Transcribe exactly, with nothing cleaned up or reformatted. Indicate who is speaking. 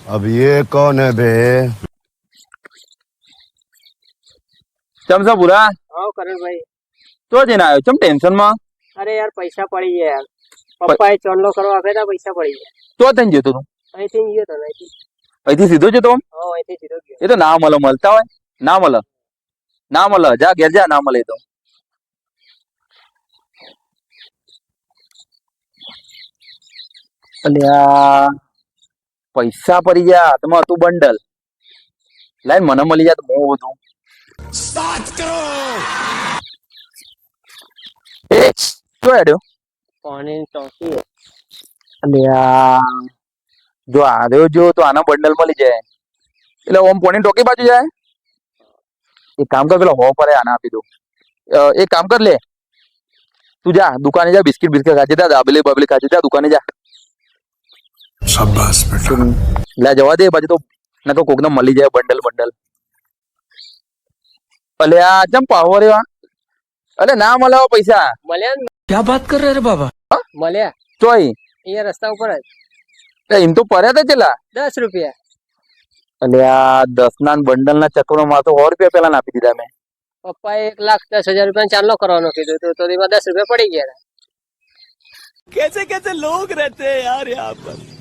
Speaker 1: अब ये कौन है बे?
Speaker 2: चम सा बुरा
Speaker 3: हाँ करण भाई।
Speaker 2: तो जने आयो चम टेंशन में
Speaker 3: अरे यार पैसा पड़ी है यार, પપ્પા એ ચોલ્લો કરવા આપ્યા હતા, પૈસા પડી ગયા.
Speaker 2: तो तन जेतो तू
Speaker 3: અહીંથી ગયો તો અહીંથી.
Speaker 2: અહીંથી સીધો જતો આમ?
Speaker 3: હા અહીંથી સીધો ગયો.
Speaker 2: એ તો ના મળે, મળતા હોય ના મળે, ના મળે, જા ઘેર જા, ના મળે તો અલ્યા પૈસા પડી ગયા હાથમાં હતું બંડલ લાઈન મને મળી જાય તો બહુ બધું એ શું હેડ્યો
Speaker 3: પાણી ચોકી.
Speaker 2: અલ્યા જો આવ્યો જો તો આના બંડલ મળી જાય એટલે ઓમ પોણી ટોકી બાજુ જાય. એક કામ કર પેલો હો પરે આના આપી દો. અ, એક કામ કર લે તું જા દુકાને જા બિસ્કિટ બિસ્કિટ ખાજે જા દાબેલી બાબેલી ખાજે જા દુકાને જા.
Speaker 1: शाबाश बेटा.
Speaker 2: લે જવા દે બાજુ તો નકો કોકને મળી જાય બંડલ બંડલ. અલ્યા ચમ પાહો રે વા અલે ના મળે હો પૈસા
Speaker 3: મળ્યા ને?
Speaker 4: क्या बात कर रहे हैं रे बाबा?
Speaker 3: મળ્યા
Speaker 2: ચોય
Speaker 3: અહીંયા રસ્તા ઉપર જ.
Speaker 2: એમ તો પડ્યા તા ચેલા.
Speaker 3: દસ રૂપિયા.
Speaker 2: અલ્યા દસ ના બંડલ ના ચક્કરમાં માં તો સો રૂપિયા પેલા નાખી દીધા મેં.
Speaker 3: પપ્પાએ એક લાખ દસ હજાર રૂપિયા ચાલનો કરવાનો કીધું તો તો એમાં દસ રૂપિયા પડી ગયા.
Speaker 4: कैसे कैसे लोग रहते हैं यार यहाँ पर.